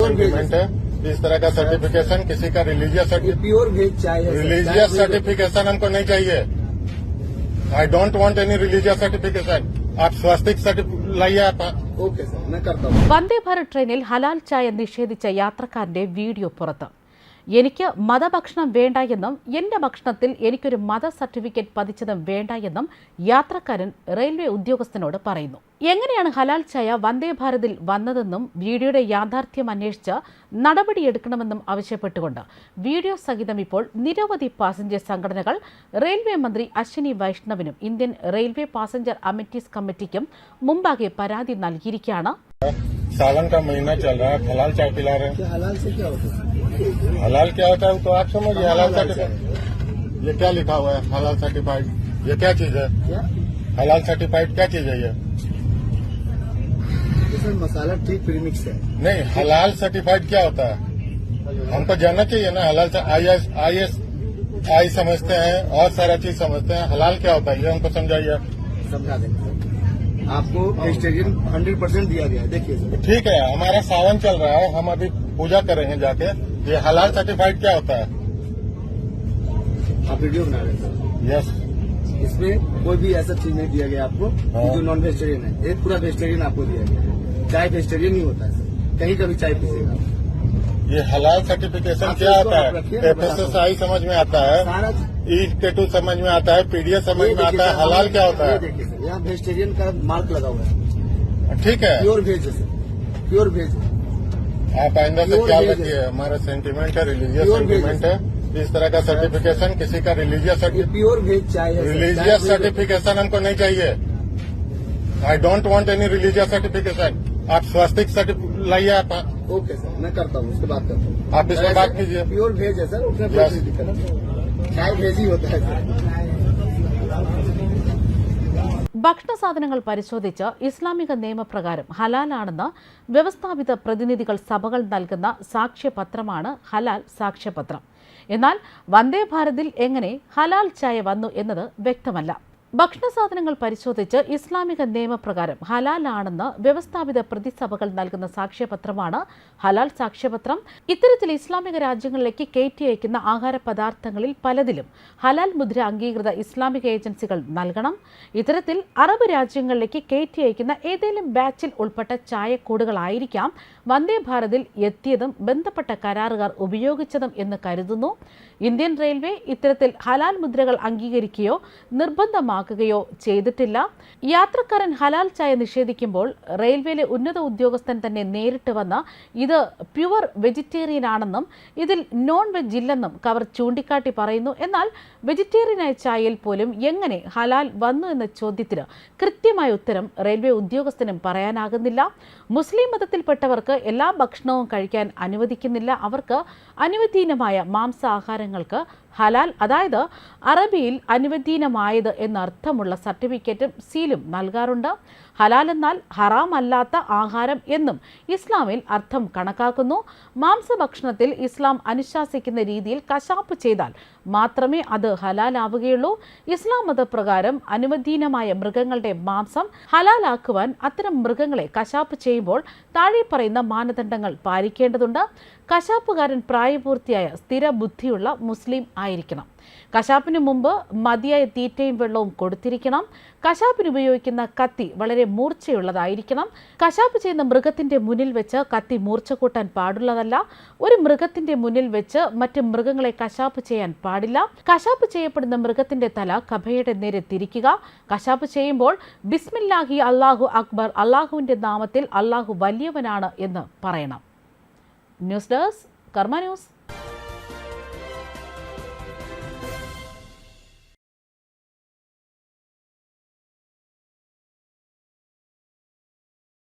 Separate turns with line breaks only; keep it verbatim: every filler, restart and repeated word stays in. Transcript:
Sentiment है। इस तरह का सर्टिफिकेशन किसी का रिलीजियस
प्योर वेज चाय है।
रिलीजियस सर्टिफिकेशन हमको नहीं चाहिए। I don't want any religious certification. आप स्वास्तिक सर्टिफिकेट लाइए आप।
ओके सर, मैं करता हूँ।
വന്ദേ ഭാരത് ട്രെയിനിൽ ഹലാൽ ചായ നിഷേധിച്ച യാത്രക്കാരന്റെ വീഡിയോ പുറത്ത്. എനിക്ക് മതഭക്ഷണം വേണ്ട എന്നും എന്റെ ഭക്ഷണത്തിൽ എനിക്കൊരു മത സർട്ടിഫിക്കറ്റ് പതിച്ചതും വേണ്ട എന്നും യാത്രക്കാരൻ റെയിൽവേ ഉദ്യോഗസ്ഥനോട് പറയുന്നു. എങ്ങനെയാണ് ഹലാൽ ചായ വന്ദേ ഭാരതിൽ വന്നതെന്നും വീഡിയോയുടെ യാഥാർത്ഥ്യം അന്വേഷിച്ച് നടപടിയെടുക്കണമെന്നും ആവശ്യപ്പെട്ടുകൊണ്ട് വീഡിയോ സഹിതം ഇപ്പോൾ നിരവധി പാസഞ്ചർ സംഘടനകൾ റെയിൽവേ മന്ത്രി അശ്വിനി വൈഷ്ണവിനും ഇന്ത്യൻ റെയിൽവേ പാസഞ്ചർ അമിറ്റീസ് കമ്മിറ്റിക്കും മുമ്പാകെ പരാതി നൽകിയിരിക്കുകയാണ്.
सावन का महीना चल रहा है, हलाल चाय पिला रहे हैं।
हलाल से क्या होता है?
हलाल क्या होता है तो आप समझिए। हलाल सर्टिफाइड ये क्या लिखा हुआ है? हलाल सर्टिफाइड ये क्या चीज है?
क्या
हलाल सर्टिफाइड क्या चीज है ये?
इसमें मसाला ठीक प्रीमिक्स है।
नहीं, हलाल सर्टिफाइड क्या होता है हमको जानना चाहिए ना। हलाल से I S I S I समझते हैं और सारा चीज समझते हैं। हलाल क्या होता है ये हमको समझाइए।
समझा देंगे सर। आपको वेजिटेरियन हंड्रेड परसेंट दिया गया है। देखिए सर,
ठीक है, हमारा सावन चल रहा है, हम अभी पूजा करेंगे जाके। ये हलाल सर्टिफाइड क्या होता है?
आप वीडियो बना रहे हैं सर।
यस,
इसमें कोई भी ऐसा चीज नहीं दिया गया आपको
हाँ।
कि जो नॉन वेजिटेरियन है। एक पूरा वेजिटेरियन आपको दिया गया है। चाय वेजिटेरियन ही होता है सर, कहीं का भी चाय पीसेगा।
ये हलाल सर्टिफिकेशन
आप
क्या
इसको
आता
आप
है?
रखिए, मैं
एफ एस एस आई समझ में आता है,
सारा
ई टेटू समझ में आता है, पीडीएस समझ
ये
में
देखिए
आता है।
सर,
हलाल क्या होता
ये
है?
देखिए सर, यहाँ वेजिटेरियन का मार्क लगा हुआ है।
ठीक है,
प्योर वेज है सर, प्योर वेज है।
आप आइंदा से
Pure
ख्याल
veg
रखिए। हमारा सेंटीमेंट है, रिलीजियस
Pure veg
सेंटीमेंट है। इस तरह का सर्टिफिकेशन किसी का रिलीजियस
ये प्योर वेज चाय है सर।
रिलीजियस
चाय
सर्टिफिकेशन हमको नहीं चाहिए। I don't want any religious certification. आप स्वास्तिक सर्टिफिकेट लाइए आप।
ओके सर, मैं करता हूँ, उसके बात करता हूँ।
आप इसमें बात कीजिए।
प्योर वेज है सर, उसमें कोई
Yes.
दिक्कत नहीं। चाय वेज ही होता है सर।
ഭക്ഷണ സാധനങ്ങൾ പരിശോധിച്ച് ഇസ്ലാമിക നിയമപ്രകാരം ഹലാലാണെന്ന് വ്യവസ്ഥാപിത പ്രതിനിധികൾ സഭകൾ നൽകുന്ന സാക്ഷ്യപത്രമാണ് ഹലാൽ സാക്ഷ്യപത്രം. എന്നാൽ വന്ദേ ഭാരതിൽ എങ്ങനെ ഹലാൽ ചായ വന്നു എന്നത് വ്യക്തമല്ല. ഭക്ഷണ സാധനങ്ങൾ പരിശോധിച്ച് ഇസ്ലാമിക നിയമപ്രകാരം ഹലാലാണെന്ന് വ്യവസ്ഥാപിത പ്രതിസഭകൾ നൽകുന്ന സാക്ഷ്യപത്രമാണ് ഹലാൽ സാക്ഷ്യപത്രം. ഇത്തരത്തിൽ ഇസ്ലാമിക രാജ്യങ്ങളിലേക്ക് കയറ്റി അയക്കുന്ന ആഹാര പദാർത്ഥങ്ങളിൽ പലതിലും ഹലാൽ മുദ്ര അംഗീകൃത ഇസ്ലാമിക ഏജൻസികൾ നൽകണം. ഇത്തരത്തിൽ അറബ് രാജ്യങ്ങളിലേക്ക് കയറ്റി അയക്കുന്ന ഏതെങ്കിലും ബാച്ചിൽ ഉൾപ്പെട്ട ചായക്കൂടുകളായിരിക്കാം വന്ദേ ഭാരതിൽ എത്തിയതും ബന്ധപ്പെട്ട കരാറുകാർ ഉപയോഗിച്ചതും എന്ന് കരുതുന്നു. ഇന്ത്യൻ റെയിൽവേ ഇത്തരത്തിൽ ഹലാൽ മുദ്രകൾ അംഗീകരിക്കുകയോ നിർബന്ധമാക്കുകയോ ചെയ്തിട്ടില്ല. യാത്രക്കാരൻ ഹലാൽ ചായ നിഷേധിക്കുമ്പോൾ റെയിൽവേയിലെ ഉന്നത ഉദ്യോഗസ്ഥൻ തന്നെ നേരിട്ട് വന്ന് ഇത് പ്യുവർ വെജിറ്റേറിയൻ ആണെന്നും ഇതിൽ നോൺ വെജ് ഇല്ലെന്നും കവർ ചൂണ്ടിക്കാട്ടി പറയുന്നു. എന്നാൽ വെജിറ്റേറിയനായ ചായയിൽ പോലും എങ്ങനെ ഹലാൽ വന്നു എന്ന ചോദ്യത്തിന് കൃത്യമായ ഉത്തരം റെയിൽവേ ഉദ്യോഗസ്ഥനും പറയാനാകുന്നില്ല. മുസ്ലിം മതത്തിൽപ്പെട്ടവർക്ക് എല്ലാ ഭക്ഷണവും കഴിക്കാൻ അനുവദിക്കുന്നില്ല. അവർക്ക് അനുവദനീയമായ മാംസാഹാരങ്ങൾക്ക് ഹലാൽ, അതായത് അറബിയിൽ അനുവദനീയമായത് എന്നർത്ഥമുള്ള സർട്ടിഫിക്കറ്റും സീലും നൽകാറുണ്ട്. ഹലാൽ എന്നാൽ ഹറാം അല്ലാത്ത ആഹാരം എന്നും ഇസ്ലാമിൽ അർത്ഥം കണക്കാക്കുന്നു. മാംസഭക്ഷണത്തിൽ ഇസ്ലാം അനുശാസിക്കുന്ന രീതിയിൽ കശാപ്പ് ചെയ്താൽ മാത്രമേ അത് ഹലാലാവുകയുള്ളൂ. ഇസ്ലാം മതപ്രകാരം അനുവദനീയമായ മൃഗങ്ങളുടെ മാംസം ഹലാലാക്കുവാൻ അത്തരം മൃഗങ്ങളെ കശാപ്പ് ചെയ്യുമ്പോൾ താഴെ പറയുന്ന മാനദണ്ഡങ്ങൾ പാലിക്കേണ്ടതുണ്ട്. കശാപ്പുകാരൻ പ്രായപൂർത്തിയായ സ്ഥിര ബുദ്ധിയുള്ള മുസ്ലിം ആയിരിക്കണം. കശാപ്പിന് മുമ്പ് മതിയായ തീറ്റയും വെള്ളവും കൊടുത്തിരിക്കണം. കശാപ്പിന് ഉപയോഗിക്കുന്ന കത്തി വളരെ മൂർച്ചയുള്ളതായിരിക്കണം. കശാപ്പ് ചെയ്യുന്ന മൃഗത്തിന്റെ മുന്നിൽ വെച്ച് കത്തി മൂർച്ച കൂട്ടാൻ പാടുള്ളതല്ല. ഒരു മൃഗത്തിന്റെ മുന്നിൽ വെച്ച് മറ്റ് മൃഗങ്ങളെ കശാപ്പ് ചെയ്യാൻ പാടില്ല. കശാപ്പ് ചെയ്യപ്പെടുന്ന മൃഗത്തിന്റെ തല കബയുടെ നേരെ തിരിക്കുക. കശാപ്പ് ചെയ്യുമ്പോൾ ബിസ്മില്ലാഹി അല്ലാഹു അക്ബർ, അല്ലാഹുവിന്റെ നാമത്തിൽ അല്ലാഹു വലിയവനാണ് എന്ന് പറയണം. News Desk Karma news.